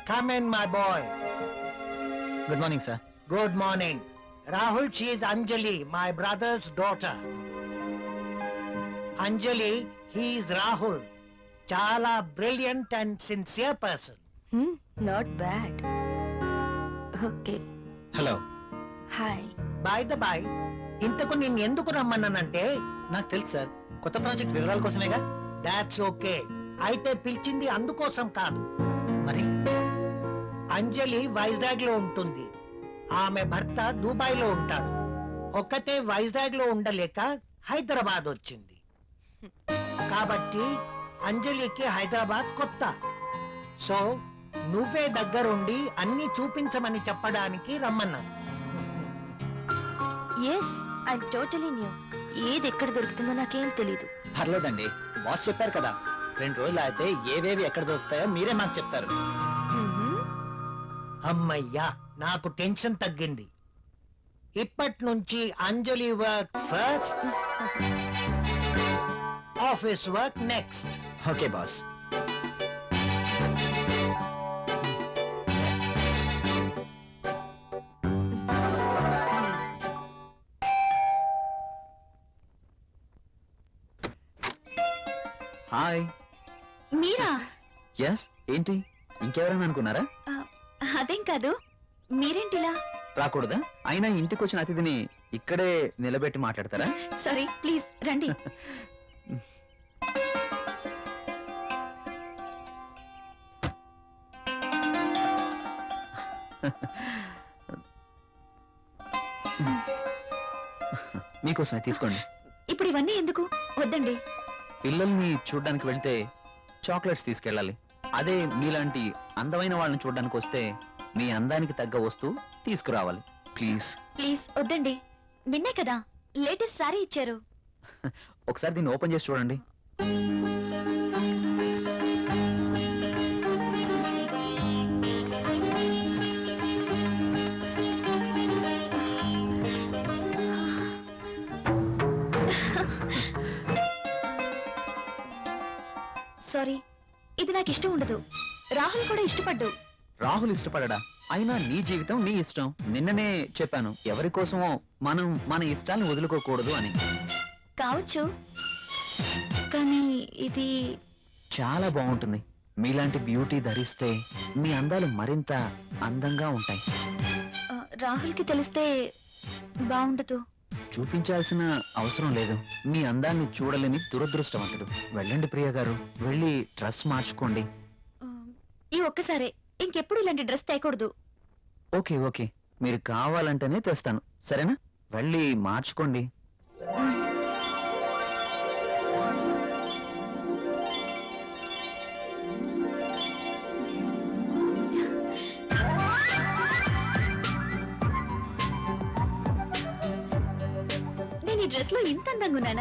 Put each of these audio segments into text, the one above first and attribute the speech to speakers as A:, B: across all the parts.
A: Come in, my boy.
B: Good morning, sir.
A: Good morning. Rahul, she is Anjali, my brother's daughter. Anjali, he is Rahul. Chala brilliant and sincere person.
C: Not bad. Okay.
B: Hello.
C: Hi.
A: By the by, ఇంతకు నేను ఎందుకు రమ్మన్నానంటే
B: నాకు తెలుసు sir, కొత్త project వివరాల కోసమేగా.
A: That's okay. అయితే పిలిచింది అందుకోసం కాదు.
B: మరి
A: అంజలి వైజాగ్ లో ఉంటుంది, ఆమె భర్త దుబాయ్ లో ఉంటాడు. ఒక్కతే వైజాగ్ లో ఉండలేక హైదరాబాద్ వచ్చింది. కాబట్టి అంజలికి హైదరాబాద్ కొత్త. సో నువ్వే దగ్గరుండి అన్ని చూపించమని చెప్పడానికి రమ్మన్నాను.
C: Yes, I totally new. ఏది ఎక్కడ దొరుకుతుందో నాకేం తెలీదు.
B: పర్లేదండి, బాస్ చెప్పారు కదా, 2 రోజులు అయితే ఏవేవి ఎక్కడ దొరుకుతాయో మీరే మాకు చెప్తారు.
A: అమ్మయ్యా, నాకు టెన్షన్ తగ్గింది. ఇప్పటి నుంచి Anjali work first, office work next.
B: Okay boss. Hi.
C: మీరా?
B: ఎస్. ఏంటి, ఇంకెవరైనా అనుకున్నారా?
C: అదేం కాదు, మీరేంటిలా?
B: రాకూడదా? అయినా ఇంటికి వచ్చిన అతిథిని ఇక్కడే నిలబెట్టి మాట్లాడతారా?
C: సారీ, ప్లీజ్ రండి.
B: మీకోసమే తీసుకోండి.
C: ఇప్పుడు ఇవన్నీ ఎందుకు? వద్దండి.
B: పిల్లల్ని చూడ్డానికి వెళ్తే చాక్లెట్స్ తీసుకెళ్ళాలి. అదే మీలాంటి అందమైన వాళ్ళని చూడ్డానికి వస్తే మీ అందానికి తగ్గ వస్తువు తీసుకురావాలి. ప్లీజ్
C: ప్లీజ్ వద్దండి. నిన్నే కదా లేటెస్ట్ సారీ ఇచ్చారు.
B: ఒకసారి దీన్ని ఓపెన్ చేసి చూడండి.
C: సారీ, ఇది నాకు ఇష్టం ఉండదు. రాహుల్ కూడా ఇష్టపడ్డు.
B: రాహుల్ ఇష్టపడడా? అయినా నీ జీవితం నీ ఇష్టం. నిన్ననే చెప్పాను, ఎవరి కోసమో మనం మన ఇష్టాన్ని వదులుకోకూడదు అని.
C: కావచ్చు, కానీ ఇది
B: చాలా బాగుంటుంది. మీలాంటి బ్యూటీ ధరిస్తే మీ అందాలు మరింత అందంగా ఉంటాయి.
C: రాహుల్కి తెలిస్తే బాగుండదు.
B: చూపించాల్సిన అవసరం లేదు. మీ అందాన్ని చూడలేని దురదృష్టవంతుడు. వెళ్ళండి ప్రియా గారు, వెళ్ళి డ్రెస్ మార్చుకోండి.
C: ఈ ఒక్కసారే, ఇంకెప్పుడు ఇలాంటి డ్రెస్ తేకూడదు.
B: ఓకే ఓకే, మీరు కావాలంటేనే తెస్తాను, సరేనా? వెళ్ళి మార్చుకోండి.
C: నేను ఈ డ్రెస్ లో ఇంత అందంగా ఉన్నానా?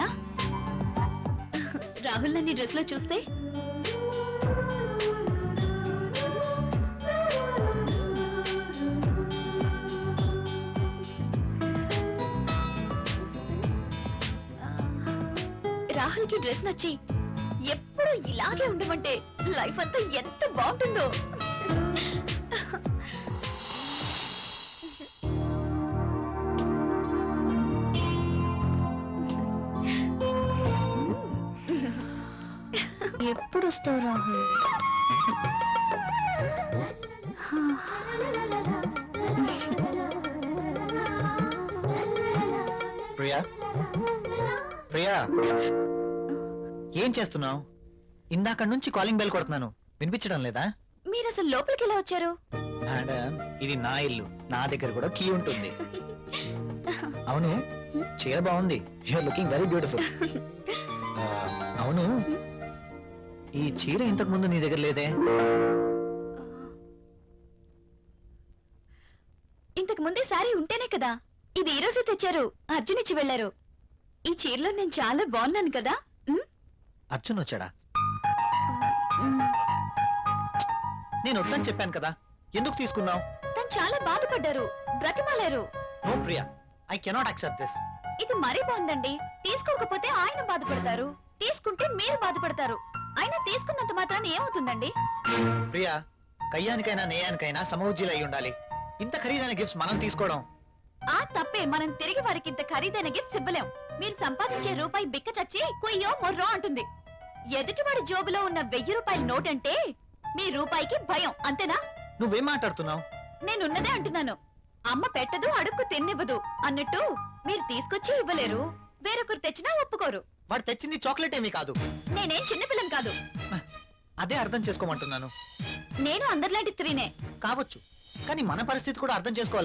C: రాహుల్ నన్ను ఈ డ్రెస్ లో చూస్తే రాహుల్ కి డ్రెస్ నచ్చి ఎప్పుడు ఇలాగే ఉండమంటే లైఫ్ అంతా ఎంత బాగుంటుందో. ఎప్పుడు వస్తావు రాహుల్?
B: ప్రియా, ప్రియా, ఏం చేస్తున్నావు? ఇందాక నుంచి కాలింగ్ బెల్ కొడుతున్నాను, వినిపించడం లేదా?
C: మీరు అసలు లోపలికి ఎలా వచ్చారు?
B: మేడం, ఇది నా ఇల్లు, నా దగ్గర కూడా కీ ఉంటుంది. అవును, చీర బాగుంది. You're looking very beautiful. అవును, ఈ చీర ఇంతకు ముందు నీ దగ్గర లేదే?
C: ఇంతకు ముందే సారీ ఉంటేనే కదా. ఇది ఈ రోజే తెచ్చారు, అర్జున్ ఇచ్చి వెళ్లారు. ఈ చీరలో నేను చాలా బాగున్నాను కదా.
B: అర్జున్ వచ్చాడా? నేను వద్దని చెప్పాను కదా, ఎందుకు తీసుకున్నావు?
C: తను చాలా బాధపడ్డారు, బ్రతిమాలారు.
B: No Priya, I cannot accept this.
C: ఇది మరీ బాగుందండి. తీసుకోకపోతే ఆయన బాధపడతారు, తీసుకుంటే మీరు బాధపడతారు. అయినా తీసుకున్నంత మాత్రాన్ని ఏమవుతుందండి?
B: ప్రియా, కయ్యానికైనా నేయానికైనా సమౌజ్జీలు అయి ఉండాలి. ఇంత ఖరీదైన గిఫ్ట్స్ మనం తీసుకోవడం
C: ఆ తప్పే. మనం తిరిగి వారికి ఇంత ఖరీదైన గిఫ్ట్స్ ఇవ్వలేం. మీరు సంపాదించే రూపాయి బిక్క చచ్చి కుయ్యో మొర్రో అంటుంది. ఎదుటివాడి జోబులో ఉన్న 1000 రూపాయల నోట్ అంటే మీ రూపాయికి భయం, అంతేనా?
B: నువ్వేం మాట్లాడుతున్నావు?
C: నేనున్నదే అంటున్నాను. అమ్మ పెట్టదు, అడుక్కు తిన్నివ్వదు అన్నట్టు మీరు తీసుకొచ్చి ఇవ్వలేరు, వేరొకరు తెచ్చినా ఒప్పుకోరు.
B: వాడు తెచ్చింది చాక్లెట్ ఏమీ కాదు.
C: నేనేం చిన్నపిల్లం కాదు.
B: అదే అర్థం చేసుకోమంటున్నాను.
C: నేను అందరిలాంటి స్త్రీనే.
B: కావచ్చు, కానీ మన పరిస్థితి కూడా అర్థం చేసుకోవాలి